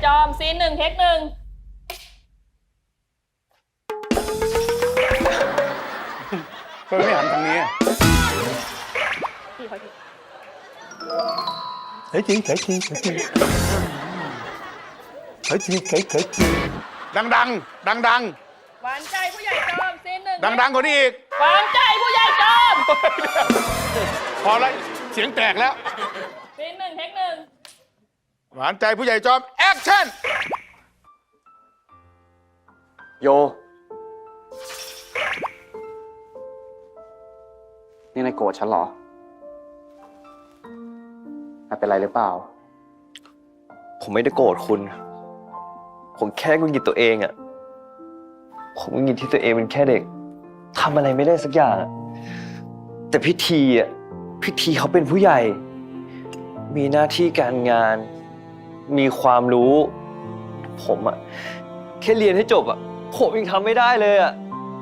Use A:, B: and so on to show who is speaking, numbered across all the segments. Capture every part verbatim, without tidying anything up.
A: อมซีนหนึ่งเทคหนึ่ง
B: เธอไม่หันทางนี้เฮ้ยจริงเฮ้ยจริงเฮ้ยจริงเฮ้ยจริงเฮ้ยเฮ้ยจริงดังดังดังดัง
A: หวานใจผู้ใหญ่จอมซีนหนึ่ง
B: ดังดังกว่านี้อีก
A: หวานใจผู้ใหญ่จอม
B: พอแล้วเสียงแตกแล้ว
A: ซีนหนึ่งเทคหนึ่ง
B: หวานใจผู้ใหญ่จอมแอคชั่น
C: โยนี่นายโกรธฉันเหรอไม่เป็นไรหรือเปล่า
D: ผมไม่ได้โกรธคุณ ผมแค่หงุดหงิดตัวเองอะผมหงุดหงิดที่ตัวเองเป็นแค่เด็กทำอะไรไม่ได้สักอย่างอะแต่พิธีอะพิธีเขาเป็นผู้ใหญ่ มีหน้าที่การงาน มีความรู้ ผมอะแค่เรียนให้จบอะผมยังทำไม่ได้เลยอะ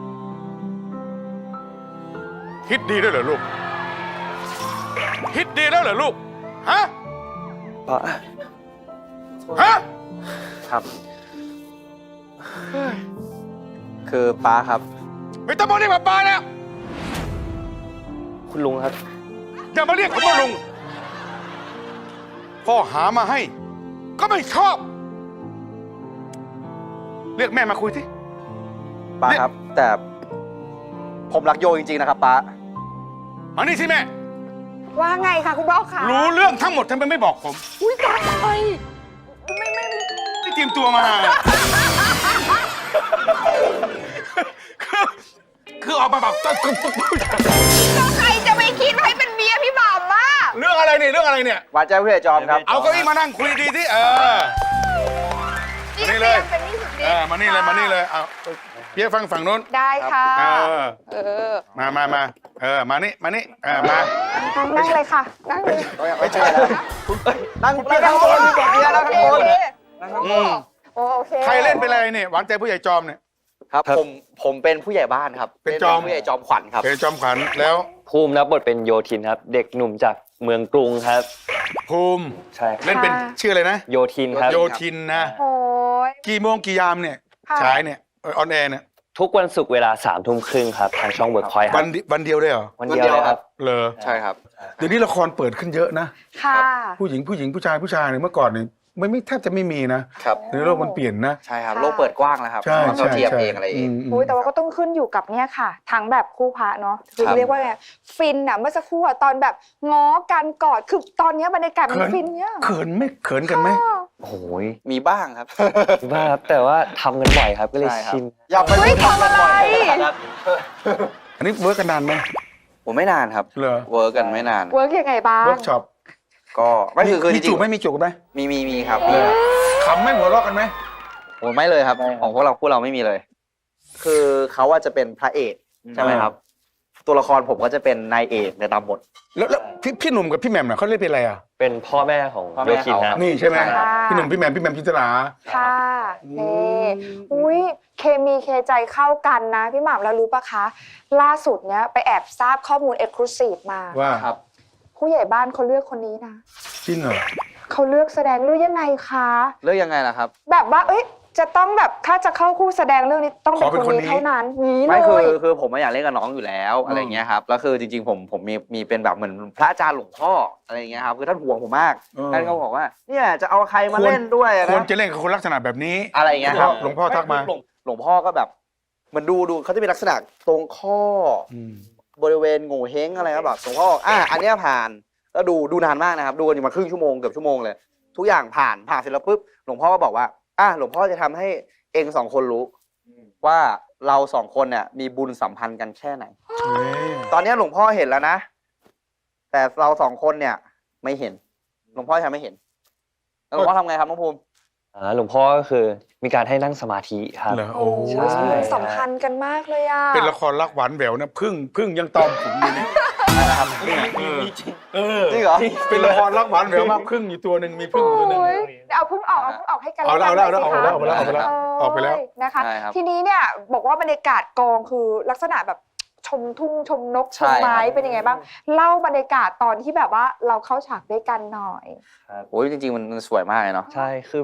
B: คิดดีแล้วเหรอลูกคิดดีแล้วเหรอลูกฮะ
D: ป้า
B: ฮะ
C: ครับ คือป้าครับ
B: ไม่ต้องมาเรียกป้าแล้ว
D: คุณลุงครับ
B: อย่ามาเรียกผมว่าลุงพ่อหามาให้ ก็ไม่ชอบ เรียกแม่มาคุยสิ
C: ป้าครับ แต่ผมรักโยจริงๆนะครับป้า
B: มานี่สิแม่
E: ว่าไงคะคุณพ่อคะ
B: รู้เรื่องทั้งหมดทำไมไม่บอกผม
E: อุ้ยตายไปไม่ไม่
B: ที่เตรียมตัวมา คือคือออกมาแบบ
E: ก็ใครจะไปคิดว่าให้เป็นเมียพี่บ่าวมา
B: เรื่องอะไรเนี่ยเรื่องอะไรเนี่ย
C: หวานใจผู้ใหญ่จอมครับ
B: เอาเก้าอี้มานั่งคุยดีที่เออ
E: นี่
B: นี่เลย
E: เป็นนี่สุด
B: เออมานี่เลยมานี่เลยเอาเพี้ยฟังฝั่งนู้น
E: ได้ค่ะ
B: เออ
E: เออ
B: มามามาเออมานี่มานี่เออมา
E: นั่งเลยค่ะ นั่งเลย
C: ไม่ใช่แล้วนั่งนั่งข้างบนดีกว่าเมียแล้วข้างบน
E: โอเค
C: นั่งข้างบ
B: อื
C: น
B: ม
E: โอเค
B: ใครเล่นเป็นอะไรเนี่ยหวานใจผู้ใหญ่จอมเนี่ย
C: ครับ ผมผมเป็นผู้ใหญ่บ้านครับ
B: เป็นจอม
C: ผู้ใหญ่จอมขวัญครับ
B: เอจอมขวัญแล้ว
D: ภูมิรับบทเป็นโยทินครับ เด็กหนุ่มจากเมืองกรุงครับ
B: ภูมิ
D: ใช่
B: เล่นเป็นชื่ออะไรนะ
D: โยทินครับ
B: โยทินนะ
E: โอ้ย
B: กี่โมงกี่ยามเนี่ย
E: ค่ะ
B: ฉายเนี่ยออนแอร์เนี่ย
D: ทุกวันศุกร์เวลาสามทุ่มครึ่งครับทางช่องเวิร์กพอยต์ค
B: วั
D: รั
B: น
D: บ
B: เดีวันเดียวเลยเหรอ
D: วันเดียวเลยครับ
B: เลอ
C: ใช่ครับ
B: เดี๋ยวนี้ละครเปิดขึ้นเยอะนะ
E: ค่ะ
B: ผู้หญิงผู้หญิงผู้ชายผู้ชายเนี่ยเมื่อก่อนเนี่ยไม่ไม่แทบจะไม่มีนะครับ ในโลกมันเปลี่ยนนะ
C: ใช่ครับ โลกเปิดกว้างแล้วครับ
B: ใช่
C: เรา
B: ใช่
C: เทียม
B: ใช่
C: เองอะไรเอง
B: มม
E: อุ้ยแต่ว่าก็ต้องขึ้นอยู่กับเนี่ยค่ะ ทั้งแบบคู่พระเนาะคือ
C: ครับ
E: เรียกว่าไงฟินอะเมื่อสักครู่อะตอนแบบง้อกันกอดคือตอนเนี้ยบรรยากาศมันฟินเนี่ย
B: เขินไหม่เขินกันไหม
D: โอ้โห
C: มีบ้างครับ
D: บ้าครับแต่ว่าทำกันบ่อยครับก็เลย
C: ใช่ครับ
D: ชิน
C: อย่าไป
E: เฮ้ยทำอะไร
B: อันนี้เวิร์กกันนานไหม
C: ผมไม่นานครับ
B: เหรอ
C: เวิร์กกันไม่นาน
E: เวิร์กยังไงบ้าง
B: เวิร์กช็อป
C: ก็ไม่คือคือจ
B: มี
C: ริ
B: จู
C: ง
B: บไหมมีจูบไหม
C: ๆมีมีมีครับ
B: เล
C: มี
B: ย
C: ครับ
B: ขำไหมหัวเราะกันไหม
C: โอ้ไม่เลยครับ ของพวกเราพวกเราไม่มีเลย คือเขาว่าจะเป็นพระเอกใช่ไหมครับ ตัวละครผมก็จะเป็นนายเอกในตามบท
B: แล้วแล้วพี่พี่หนุ่มกับพี่แหม่มน่ะเขาเล่นเป็นอะไรอ่ะ
D: เป็นพ่อแม่ของ
C: พ่อแม่
D: โยทินนะ
C: เขา
B: นี่ใช่ไหม
C: ใช่ครับ
B: พี่หนุ่มพี่แหม่มพี่แหม่มพิจลา
E: ค่ะนี่อุ้ยเคมีเคใจเข้ากันนะพี่หม่ำแล้วรู้ปะคะ ล่าสุดเนี้ยไปแอบทราบข้อมูลเอ็กซ์คลูซีฟมา
B: ว่า
C: ครับ
E: ผู้ใหญ่บ้านเขาเลือกคนนี้นะ
B: จริงเหรอ
E: เขาเลือกแสดงเรื่องยังไงคะ
C: เรื่องยังไงล่ะครับ
E: แบบว่าเอ้ยจะต้องแบบถ้าจะเข้าคู่แสดงเรื่องนี้ต้องเป็น
B: ขอเป็น
E: คน
B: คนนี้
E: นี้เท่านั้นนี้เล
C: ไม่คือย คือผมไม่อยากเล่นกับน้องอยู่แล้ว
B: อืม
C: อะไรเงี้ยครับแล้วคือจริงๆผมผมมีมีเป็นแบบเหมือนพระอาจารย์หลวงพ่ออะไรเงี้ยครับคือท่านห่วงผมมากท่านก็บอกว่าเนี่ยจะเอาใครมาเล่นด้วยนะ
B: ควรจะเล่นกับคนลักษณะแบบนี้
C: อะไรเงี้ยครับ
B: หลวงพ่อทักมา
C: หลวงหลวงพ่อก็แบบเหมือนดูดูเขาจะมีลักษณะตรงข้อ
B: อืม
C: บริเวณโง่เฮงอะไรครับแบบหลวงพ่อบอกอ่ะอันเนี้ยผ่านแล้วดูดูนานมากนะครับดูกันอยู่มาครึ่งชั่วโมงเกือบชั่วโมงเลย ทุกอย่างผ่านผ่านเสร็จแล้วปุ๊บหลวงพ่อก็บอกว่าอ่ะหลวงพ่อจะทำให้เองสองคนรู้ว่าเราสองคนเนี่ยมีบุญสัมพันธ์กันแค่ไหน
B: เฮ้ย
C: ตอนนี้หลวงพ่อเห็นแล้วนะ แต่เราสองคนเนี่ยไม่เห็น หลวงพ่อทำไม่เห็นแล้วหลวงพ่อทำไงครับน้องภูมิ
D: อ่าหลวงพ่อก็คือมีการให้นั่งสมาธิครับ
B: เหรอ
E: โอ้
B: โอ้
E: โห
D: ใช่
E: สัมพันธ์กันมากเลยอ่ะ
B: เป็นละครรักหวานแหววนะพึ่งพึ่งยังตอมผมอยู่เนี่ยเออ
C: จริงเหรอ
B: เป็นละครรักหวานแหววมากพึ่งอยู่ตัวหนึ่งมีพึ่งอยู่ตัวหนึ่ง
E: โอ้ยเอาเพิ่งออกเอาเพิ่งออกให้กัน
B: เอาแล้ว
E: กัน
B: เอาแล้ว
E: หน่ยสิคะ
B: เอาแล้วเอาแล้วเอาแล้วเอาไปแล้ว
E: เนะคะ
C: ใช่ครับ
E: ทีนี้เนี่ยบอกว่าบรรยากาศกองคือลักษณะแบบชมทุ่งชมนกช
C: ใช่
E: ม
C: ครับ
E: ไม้เป็นยังไงบ้าง เล่าบรรยากาศตอนที่แบบว่าเราเข้าฉากด้วยกันหน่อย
C: โอ้ยจริงๆมันสวยมากเลยเนาะ
D: ใช่คือแบบ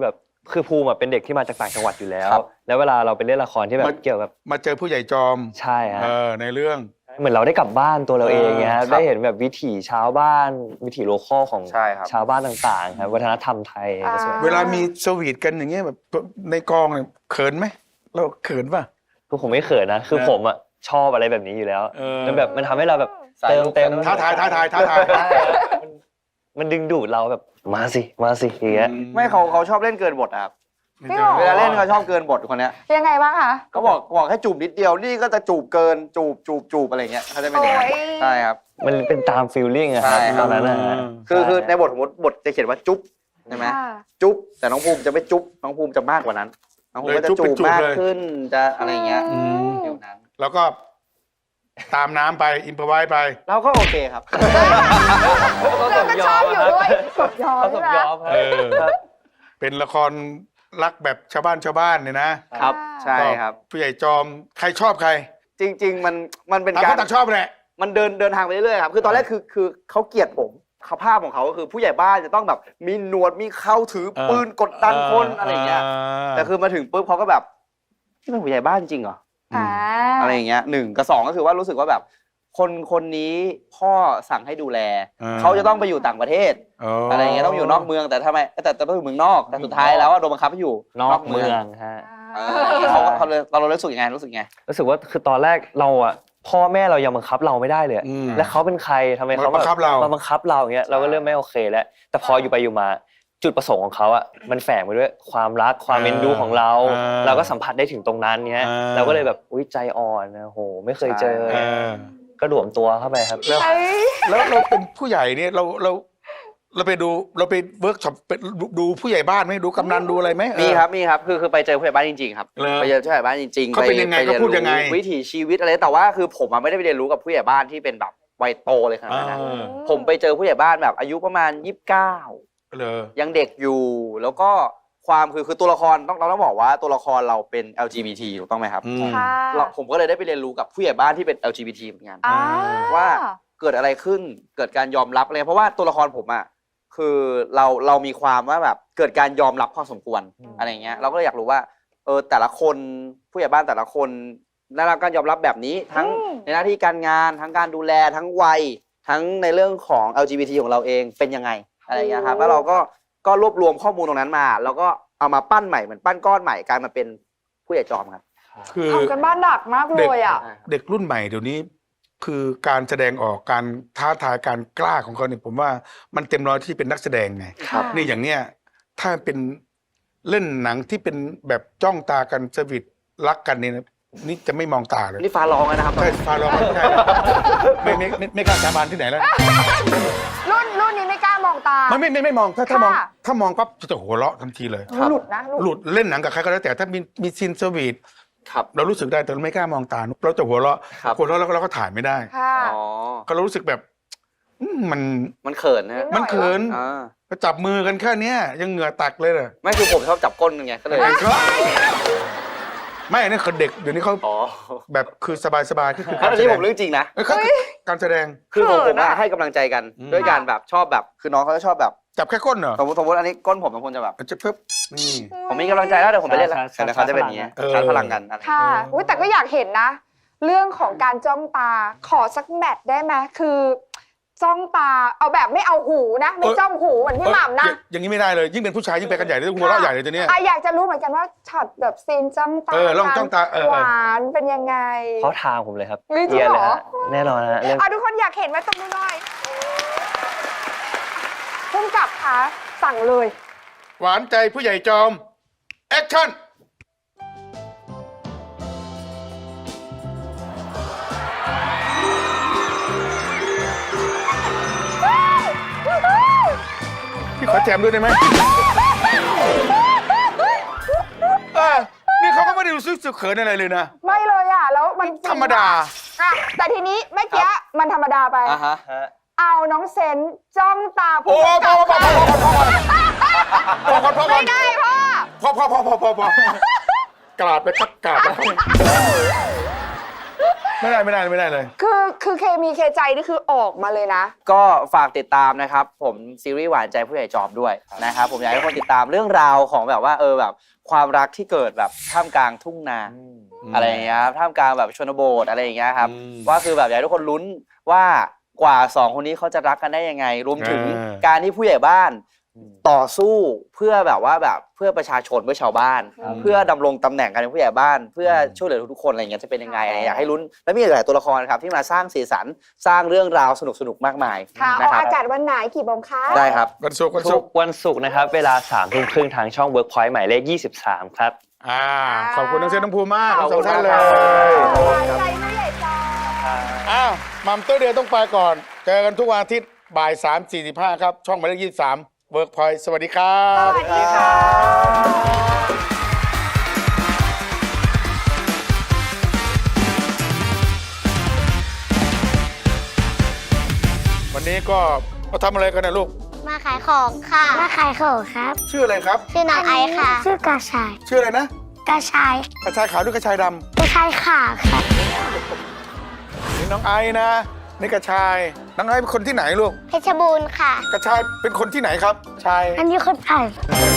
D: คือภูมิอะเป็นเด็กที่มาจากต่างจังหวัดอยู่แล้ว
C: ครับ
D: แล้วเวลาเราไปเล่นละครที่แบบเกี่ยวกับ
B: มาเจอผู้ใหญ่จอม
D: ใช่ฮะ
B: เออในเรื่อง
D: เหมือนเราได้กลับบ้านตัวเราเองเงี้ย
C: เออ
D: ครับ
C: ครับ
D: ได้เห็นแบบวิถีชาวบ้าน วิถีโลคอลของ
C: ใช่ครับ
D: ชาวบ้านต่างๆครับวัฒนธรรมไทย
E: อ่า
D: ก็สวย
B: เวลามีสวีทกันอย่างเงี้ยแบบในกองเนี่ยเขินไหมเราเขินป่ะ
D: คือผมไม่เขินนะ คือ
B: นะ
D: ผมอ่ะชอบอะไรแบบนี้อยู่แล้ว
B: เออ
D: มันแบบมันทำให้เราแบบ
C: สาย
D: เติม
C: ลุก
D: เต็ม
C: กัน
B: ท้าทายท้าทายท้าทาย
D: ใช่มันมันดึงดูดเราแบบมาสิมาสิอย่างเงี้ย
C: ไม่เขาเขาชอบเล่นเกินบทอะครับ
E: จริงเหรอ
C: เวลาเล่นเขาชอบเกินบทคนเนี้ย
E: ยังไงบ้างคะ
C: เขาบอกบอกให้จูบนิดเดียวนี่ก็จะจูบเกินจูบจูบจูบอะไรเงี้ยเขาจะเป็นอย่างนั้น
E: โอ้ย
C: ใช่ครับ
D: มันเป็นตามฟีลลิ่งอะครับ
C: ใช่ค
D: ต
C: รับ
D: อนนั้นนะฮะ
C: คือคือใน
D: ใช่
C: บทสมมติบทจะเขียนว่าจุ๊บใช่ไหม
E: ค่ะ
C: จุ๊บแต่น้องภูมิจะไม่จุ๊บน้องภูมิจะมากกว่านั้นน้องภูมิก็จะ
B: เลยจุ๊บ
C: จู
B: เป็น
C: บ
B: จูบ
C: มาก
B: เลย
C: ขึ้นจะอะไรเงี้ย
B: อืม
C: ฟิลนั้น
B: แล้วก็ตามน้ำไปอินพอไว้ไป
C: เราก็โอเคครับ
E: เราก็ชอบอยู่ด้วยสมยอม
D: เขาส
E: ใช่
D: ม
E: ไหม
D: ยอมครับ
B: เออ
D: ครับ
B: เป็นละครรักแบบชาวบ้านชาวบ้านเนี่ยนะครับ
C: ใช่ครับ
B: ผู้ใหญ่จอมใครชอบใคร
C: จริง ๆ มันมันเป็น
B: ต่าง
C: กา
B: ค
C: ร
B: นต่างชอบแหละ
C: มันเดินเดินทางไปเรื่อยๆครับคือตอนแรกคือคือเขาเกลียดผมเขาภาพของเขาก็คือผู้ใหญ่บ้านจะต้องแบบมีหนวดมีเข้าถือปืนกดดันคนอะไรเงี้ยแต่คือมาถึงปุ๊บเขาก็แบบนี่เป็นผู้ใหญ่บ้านจริงเหรอ
E: อ่า
C: อะไรอย่างเงี้ยหนึ่งกับสองก็คือว่ารู้สึกว่าแบบ คนคนนี้พ่อสั่งให้ดูแล เขาจะต้องไปอยู่ต่างประเทศ อะไรอย่างเงี้ยต้องอยู่นอกเมืองแต่ทำไมแต่แต่ต้องอยู่เมืองนอกแต่สุดท้ายแล้วอะโดนบังคับให้อยู่
D: นอกเมืองฮะ
C: เออเขาเขาเลยเรารู้สึกยังไงรู้สึกยังไง
D: รู้สึกว่าคือตอนแรกเราอ่ะพ่อแม่เรายังบังคับเราไม่ได้เลย
B: อืม
D: และเขาเป็นใครทำไมเขา
B: มาบังคับเรา
D: มาบังคับเราอย่างเงี้ยเราก็เริ่มไม่โอเคแล้ว แต่พออยู่ไปอยู่มาจุดประสงค์ของเขาอ่ะมันแฝงไปด้วยความรักความเอ็นดูของเรา
B: อ่า
D: เราก็สัมผัสได้ถึงตรงนั้นเงี้ย
B: อ่า
D: เราก็เลยแบบอุ้ยใจอ่อนนะโหไม่เคยเจอ
B: เออ
D: ก็หลวมตัวเข้าไปครับ
B: แล้ว
E: เอ้ย
B: แล้วเราเป็นผู้ใหญ่เนี่ยเราเราเราไปดูเราไปเวิร์กช็อปไปดูดูผู้ใหญ่บ้านไหมดูกำนันดูอะไรไหมเออ
C: มีครับมีครับคือคือไปเจอผู้ใหญ่บ้านจริงๆครับ
B: เหรอ
C: ไปเจอผู้ใหญ่บ้านจริงๆ
B: เขาเป็นยังไง
C: ป
B: เขาพูดยังไง
C: เรีนรู้วิถีชีวิตอะไรแต่ว่าคือผมอะไม่ได้ไปเรียนรู้กับผู้ใหญ่บ้านที่เป็นแบบวัยโตเลยขนาดนั้นนะ
B: อ่า
C: ผมไปเจอผู้ใหญ่บ้านแบบอายุประมาณยี่สิบเก้า
B: เลย
C: ยังเด็กอยู่ แล้วก็ความคือคือตัวละครต้องเราต้องบอกว่าตัวละครเราเป็น แอล จี บี ที ถูกต้องไหมครับ
B: อืม
E: ค่ะ
C: เราผมก็เลยได้ไปเรียนรู้กับผู้ใหญ่บ้านที่เป็น แอล จี บี ที เหมือนกัน
E: อ่า
C: ว่าเกิดอะไรขึ้นเกิดการยอมรับอะไรเพราะว่าตัวละครผมอ่ะคือเราเรามีความว่าแบบเกิดการยอมรับพอสมควร
D: อืม
C: อะไรเงี้ยเราก็เลยอยากรู้ว่าเออแต่ละคนผู้ใหญ่บ้านแต่ละคนได้รับการยอมรับแบบนี้ทั้ง
E: อืม
C: ในหน้าที่การงานทั้งการดูแลทั้งวัยทั้งในเรื่องของ แอล จี บี ที ของเราเองเป็นยังไงอะไรเงี้ยครับแล้วเราก็ก็รวบรวมข้อมูลตรงนั้นมา แล้วก็เอามาปั้นใหม่เหมือนปั้นก้อนใหม่กลายมาเป็นผู้ใหญ่จอมครับ
B: คือ
E: ทำกันบ้านหนักมากเลยอ่ะ
B: เด็กรุ่นใหม่เดี๋ยวนี้ คือการแสดงออกการท้าทายการกล้าของเขาเนี่ยผมว่ามันเต็มร้อยที่เป็นนักแสดงไง
E: ครับ
B: นี่อย่างเนี้ยถ้าเป็นเล่นหนังที่เป็นแบบจ้องตากันสวิตรักกันเนี่ยนะนี่จะไม่มองตาเลย
C: นี่ฟ้าร้องแล้วนะครับ
B: ใช่ฟาร้องไม่ใช่ไม่ไม่ไม่ไม่กล้าสาบานที่ไหนแล้ว
E: รุ่นรุ่นนี้ไม่กล้ามองตา
B: ไม่ไม่ไม่ไม่มองถ้าถ้ามอง
E: ค่ะ
B: ถ้ามองปั๊บจะหัวเราะทันทีเลย
E: หลุดนะหลุด
B: หลุดเล่นหนังกับใครก็แล้วแต่ถ้ามีมีซีนสวีท
C: ครับ
B: เรารู้สึกได้แต่เราไม่กล้ามองตาเราจะหัวเราะ
C: ครับ
B: หัวเราะแล้วเราก็ถ่ายไม่ได้
E: ค่ะ
C: อ๋อ
B: ก็เรารู้สึกแบบอืมมัน
C: มันเขินนะ
E: นิดหน่อย
B: มันเขิน
C: อ่า
B: ก็จับมือกันแค่เนี้ยยังเหงื่อตักเลยเลย
C: ไม่คือผมชอบจับก้นไงก็เลย
B: ไม่อันนี้คือเด็กเดี๋ยวนี้เขา
C: อ๋อ
B: แบบคือสบายสบายๆคือคือ
C: อั
B: การ
C: น
B: แส
C: นี้
B: ด
C: ผ
B: ง
C: มเรื่องจริงนะ
B: เอ้ยเขาการแสดง
C: คือผม
E: เขิ
C: ผ
E: น
C: ม
E: อะ
C: อะให้กำลังใจกัน
B: อืม
C: ด้วยการแบบชอบแบบคือน้องเขาจะชอบแบบ
B: จับแค่ก้นเหรอ
C: สมมติสมมติอันนี้ก้นผมบางคนจะแบบ
B: จะเพิ่มนี่
C: ผมมีกำลังใจแล้วเดี๋ยวผมไปเล่นแล้ว
D: ชาร์จ
C: แต่เขาจะเป็นอย่างนี้
B: เออ
C: ชาร์จพลังกันอะไร
E: ค่ะอุ๊ยแต่ก็อยากเห็นนะ เรื่องของการจ้องตาขอสักแมทได้ไหมคือจ้องตาเอาแบบไม่เอาหูนะ ไม่จ้องหูเหมือนพี่หม่ำนะ
B: เอ้ยอย่างนี้ไม่ได้เลยยิ่งเป็นผู้ชายยิ่งไปกันใหญ่เลยหัวเราะใหญ่เลยตัวเนี้ย
E: อ่ะอยากจะรู้เหมือนกันว่าช็อตแบบซีนจ้องตา
B: เออลองจ้องตาเออ
E: หวานเป็นยังไง
D: เขาทางผมเลยครับ
E: เฮ้ยจริง
D: เรียน
E: เหร
D: เลย
E: อ
D: ฮะแน่นอนฮะเรื่อง
E: อ่ะทุกคนอยากเห็นไหมตรงนู้นหน่อยพุ่มกับคะสั่งเลย
B: หวานใจผู้ใหญ่จอมแอคชั่น พี่ขอแจมด้วยได้ไหมเออนี่เขาก็ไม่ได้รู้สึกสึกเขินอะไรเลยนะ
E: ไม่เลยอ่ะ แล้วมัน
B: ธรรมดา
E: อ่ะแต่ทีนี้เมื่อกี้มันธรรมดาไป
C: อ่ะฮะ
D: ฮะ
E: เอาน้องเซนจ้องตา
B: โอ้
E: ผู้
B: พ
E: กำ
B: อ
E: กับ
B: พอพอพอพอพอพอพอ
E: ไม่ได้พ่อ
B: พอพอพอพอพอพอกราดไปปักกราดไปไม่ได้ไม่ได้ไม่ได้เลย
E: คือคือเคมีเคใจนี่คือออกมาเลยนะ
C: ก็ฝากติดตามนะครับ ผมซีรีส์หวานใจผู้ใหญ่จอมด้วยนะครับผมอยากให้ทุกคนติดตามเรื่องราวของแบบว่าเออแบบความรักที่เกิดแบบท่ามกลางทุ่งนาอะไรอย่างเงี้ยครับท่ามกลางแบบชนบทอะไรอย่างเงี้ยครับ
B: อืม
C: ว่าคือแบบอยากให้ทุกคนลุ้นว่ากว่าสองคนนี้เขาจะรักกันได้ยังไง รวมถึง
B: อ่า
C: การที่ผู้ใหญ่บ้านต่อสู้เพื่อแบบว่าแบบเพื่อประชาชนเพื่อชาวบ้าน
E: ครับ
C: เพื่อดำรงตำแหน่งการเป็นผู้ใหญ่บ้าน เพื่อช่วยเหลือทุกๆคนอะไรอย่างเงี้ยจะเป็นยังไงอะไรอยากให้ลุ้นและมีหลายตัวละครครับที่มาสร้างสีสันสร้างเรื่องราวสนุกๆมากมาย
E: ค่ะอ
C: นะ
E: อก
C: ครับ
E: อากาศวันไหนกี่โมงคะ
C: ได้ครับ
B: วันศุกร์วัน
D: ทุ
B: ศุ
D: ก
B: กร์
D: วันศุกร์นะครับ เวลาสามทุ่มครึ่งทางช่อง Workpoint หมายเลขยี่สิบสามครับ
B: อ่าขอบคุณน้องเซนน้องภูมิมาก
C: ขอบ
B: ทั้งส
C: คุ
B: อง
C: ณ
B: ท่านเล
C: ครับ
B: ย
E: หวานใจผู้ใหญ่จอม
B: อ้าวมัมเตอร์เดียต้องไปก่อน เจอกันทุกวันอาทิตย์บ่ายสามสี่สิบห้าครับ ช่องหมายเลขยี่สิบสามเวิร์กพอยต์สวัสดีครั
E: ส
B: บ
E: วัสดีค่ะ
B: วันนี้ก็มาทำอะไรกันนะลูก
F: มาขายของค่ะ มาขายของครับ
B: ชื่ออะไรครับ
F: ชื่อน้องไอซ์ค่ะ ชื่อกระชาย
B: ชื่ออะไรนะ
F: กระชาย
B: กระชายขาวหรือกระชายด
F: กระชายขาวค่ะ
B: ำนี่น้องไอ้นะนี่กระชายน้องไอ้เป็นคนที่ไหนลูก
F: เพชรบูรณ์ค่ะ
B: กระชายเป็นคนที่ไหนครับชาย
F: อันนี้คนไทย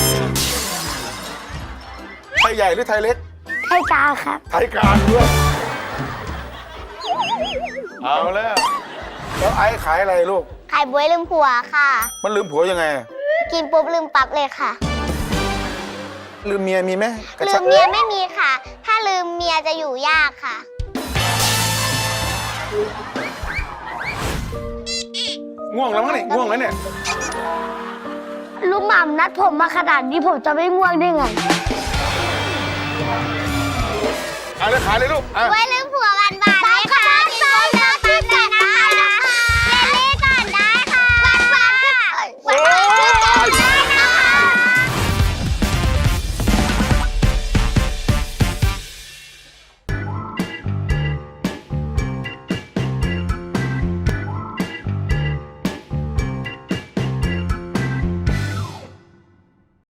B: ไทยใหญ่หรือไทยเล็ก
F: ไทยกลางครับ
B: ไทยกลางด้วยเอาแล้วแล้วไอ้ขายอะไรลูก
F: ขายบวยลืมผัวค่ะ
B: มันลืมผัวยังไง
F: กินปุ๊บลืมปั๊บเลยค่ะ
B: ลืมเมียมีไหมกระ
F: ลื
B: ชาม
F: เมียไม่มีค่ะ ถ้าลืมเมียจะอยู่ยากค่ะ
B: ง่วงแล้วมั้งเนี่ยง่วงแล้วเนี่ย
F: ลุงหม่ำนัดผมมาขนาดนี้ผมจะไม่ง่วงได้ไง
B: เอาเลยขายเลยลูกอ่ะ
F: บวย